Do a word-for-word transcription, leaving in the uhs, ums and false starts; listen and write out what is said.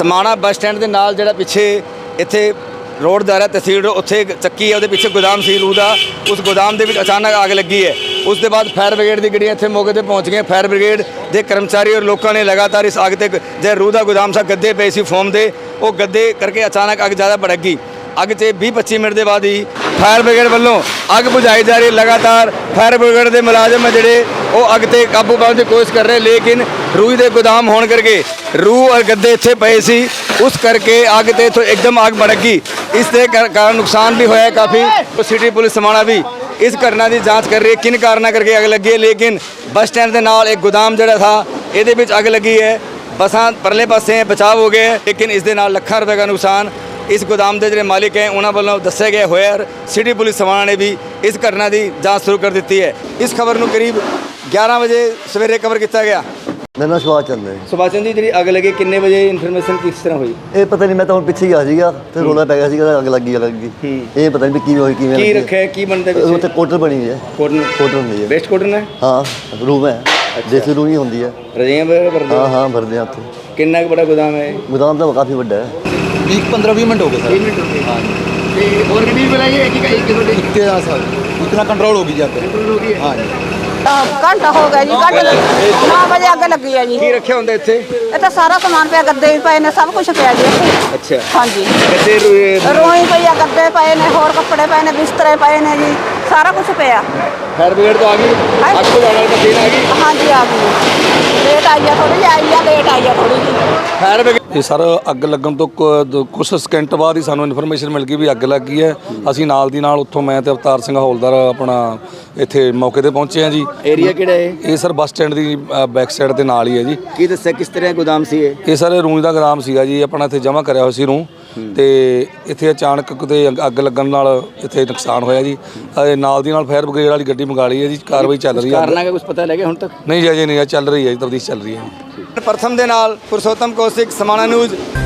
समाणा bus stand के नाल जिहड़ा पिछे इत्थे रोड दारा तहसील उत्थे चक्की है, पिछे गोदाम सी रूह का, उस गोदाम के अचानक आग लगी है। उसके बाद फायर ब्रिगेड की गड्डियां इत्थे मौके पर पहुँच गई। फायर ब्रिगेड के कर्मचारी और लोगों ने लगातार इस अग तक जो रूह का गोदाम सा गद्दे पे सी फोम के, वो गद्दे करके अचानक अग ज़्यादा भड़क गई। अग से भी पच्ची मिनट के बाद ही फायर ब्रिगेड वालों अग बुझाई जा रही। लगातार फायर ब्रिगेड के मुलाजम है जोड़े वो अग से काबू पाने की कोशिश कर रहे, लेकिन रूह के गोदाम होने करके रूह और गद्दे इत्थे पे सी, उस करके अग ते तो एकदम अग भड़क गई। इसके कारण नुकसान भी होया काफ़ी। तो सिटी पुलिस समाणा भी इस घटना की जांच कर रही है, किन कारणों करके अग लगी है। लेकिन बस स्टैंड के नाल एक गोदाम जोड़ा था, ये अग लगी है। बसां परले पासे बचाव हो गए, लेकिन इस दे नाल लाखां रुपए का नुकसान इस गोदाम के जो मालिक हैं उन्होंने वालों दस्या गया होया। और सिटी पुलिस समाणा ने भी इस घटना की जांच शुरू कर दी है। इस खबर को करीब ग्यारह बजे सवेरे कवर किया गया। मेरा नाम सुभाष चंद है। सुभाष चंद जी, जी अग लगी किन्ने बजे इन्फॉर्मेशन किस तरह हुई? ये पता नहीं, मैं तो पिछे ही आ सीगा ते रोला पै गया सीगा, अग लगी अग लगी। ये पता नहीं की होई किवें की रखे की बनता है? उत्ते कोटर बनी हुई है। कॉटन कोटर हुंदी है, बेस्ट कॉटन है। हाँ रूम है, देसी रूम ही होंदी है। रजाइयां भरदे? हाँ हाँ भरदे हैं उत्थे। कितना बड़ा गोदाम है? गोदाम तो काफ़ी बड़ा है। बीस पंद्रह बीस मिनट हो गए सर। मिनट हो गए। हाँ जी। और कितनी बनाई है? एक एक तेरह साल इतना कंट्रोल होगी जाकर। हो गई है। हाँ जी घंटा हो गया जी, घंटे नौ बजे अग लगी है जी। की रखे होंगे इत्थे? ਇਹ ਤਾਂ ਸਾਰਾ ਸਮਾਨ ਪਿਆ, ਗੱਦੇ ਵੀ ਪਏ ਨੇ, ਸਭ ਕੁਝ ਪਿਆ ਜੀ ਇੱਥੇ। अच्छा ਹਾਂਜੀ, गद्दे रू- ਰੋਈ ਪਈ ਆ, ਗੱਦੇ ਪਏ ਨੇ, ਹੋਰ ਕੱਪੜੇ ਪਏ ਨੇ, ਬਿਸਤਰੇ ਪਏ ਨੇ ਜੀ, ਸਾਰਾ ਕੁਝ ਪਿਆ। फायर ब्रिगेड तो आ गई, हाँ। अग बुझाने वाली मशीन आ गई। ਹਾਂਜੀ ਆ ਗਈ, ਲੇਟ ਆਈ ਆ ਥੋੜੀ ਜਿਹੀ, ਆਈ ਆ ਲੇਟ ਆਈ ਆ ਥੋੜੀ ਜਿਹੀ। फायर ब्रिगेड ਇਹ ਸਰ ਅੱਗ ਲੱਗਣ ਤੋਂ ਕੁ- ਕੁਛ ਸਕਿੰਟ ਬਾਅਦ ਹੀ ਸਾਨੂੰ ਇਨਫੋਰਮੇਸ਼ਨ ਮਿਲ ਗਈ ਵੀ ਅੱਗ ਲੱਗ ਗਈ ਹੈ। ਅਸੀਂ ਨਾਲ ਦੀ ਨਾਲ ਉੱਥੋਂ ਮੈਂ ਤੇ ਅਵਤਾਰ ਸਿੰਘ ਹੌਲਦਾਰ ਆਪਣਾ ਇੱਥੇ ਮੌਕੇ ਤੇ ਪਹੁੰਚੇ ਹਾਂ ਜੀ। एरिया किहड़ा है? ਇਹ ਸਰ ਬੱਸ ਸਟੈਂਡ ਦੀ ਬੈਕ ਸਾਈਡ ਦੇ ਨਾਲ ਹੀ ਹੈ ਜੀ। की दस्या किस तरह गोदाम सी है? ਇਹ ਸਰ ਰੂੰ ਦਾ ਗੋਦਾਮ ਸੀਗਾ ਜੀ, ਆਪਣਾ ਇੱਥੇ ਜਮ੍ਹਾਂ ਕਰਿਆ ਹੋਇਆ ਸੀ ਰੂੰ, ਤੇ ਇੱਥੇ ਅਚਾਨਕ ਕਿਤੇ ਅੱਗ- ਅੱਗ ਲੱਗਣ ਨਾਲ ਇੱਥੇ ਨੁਕਸਾਨ ਹੋਇਆ ਜੀ। ਅਹ ਨਾਲ ਦੀ ਨਾਲ ਫਾਇਰ ਬ੍ਰਿਗੇਡ ਵਾਲੀ ਗੱਡੀ ਮੰਗਾ ਲਈ ਹੈ ਜੀ, ਕਾਰਵਾਈ ਚੱਲ ਰਹੀ ਹੈ। ਕਾਰਨਾਂ ਦਾ ਕੁਝ ਪਤਾ ਲੱਗਿਆ ਹੁਣ ਤੱਕ? ਨਹੀਂ ਜੀ ਅਜੇ ਨਹੀਂ, ਚੱਲ ਰਹੀ ਹੈ ਜੀ, ਤਬਦੀਲ ਚੱਲ ਰਹੀ ਹੈ। प्रथम दे नाल पुरुषोत्तम कौशिक, समाणा न्यूज़।